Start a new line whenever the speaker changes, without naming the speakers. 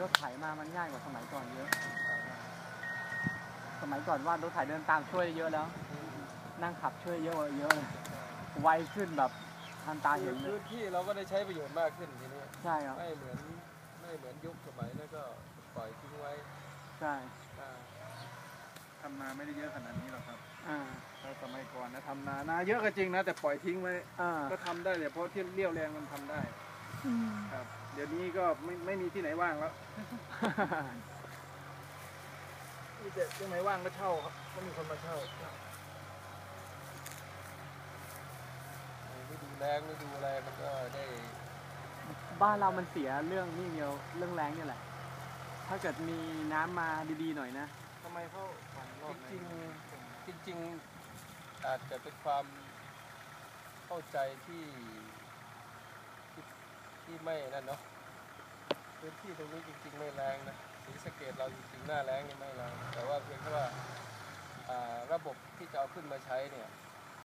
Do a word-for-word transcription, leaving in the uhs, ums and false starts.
ถไถมามันง่ายกว่าสมัยก่อนเยอะสมัยก่อนว่ารถไถเดินตามช่วยเยอะแล้วนั่งขับช่วยเยอะเยอะเลยไวขึ้นแบบทันตาเห็นเลย
พื้นที่เราก็ได้ใช้ประโยชน์มากขึ้นทีนี้
ใช่ครับ
ไม่เหมือนไม่เหมือนยุคสมัยแล้วก็ปล่อยทิ้งไว้
ใช่
ทำนาไม่ได้เยอะขนาดนี้หรอกครับ
อ่า
เราสมัยก่อนนะทำนานาเยอะก็จริงนะแต่ปล่อยทิ้งไว้ก็ทำได้แต่เพราะที่เลี้ยวแรงมันทำได้ครับเดี๋ยวนี้ก็ไม่ไม่มีที่ไหนว่างแล้วมีแต่ที่ไหนว่างก็เช่าครับก็มีคนมาเช่า
ไม่ดูแรงไม่ดูอะไรมันก็ได้
บ้านเรามันเสียเรื่องนี่เดียวเรื่องแรงนี่แหละถ้าเกิดมีน้ำมาดีๆหน่อยนะ
ทำไมเขาฝังรอบ
จริงจริงจริงอาจจะเป็นความเข้าใจที่ที่ที่ไม่นั่นเนาะพื้นที่ตรงนี้จริงๆไม่แรงนะศรีสะเกษเราจริงๆหน้าแรงนี่ไม่แรงแต่ว่าเพียงแค่ว่าระบบที่จะเอาขึ้นมาใช้เนี่ย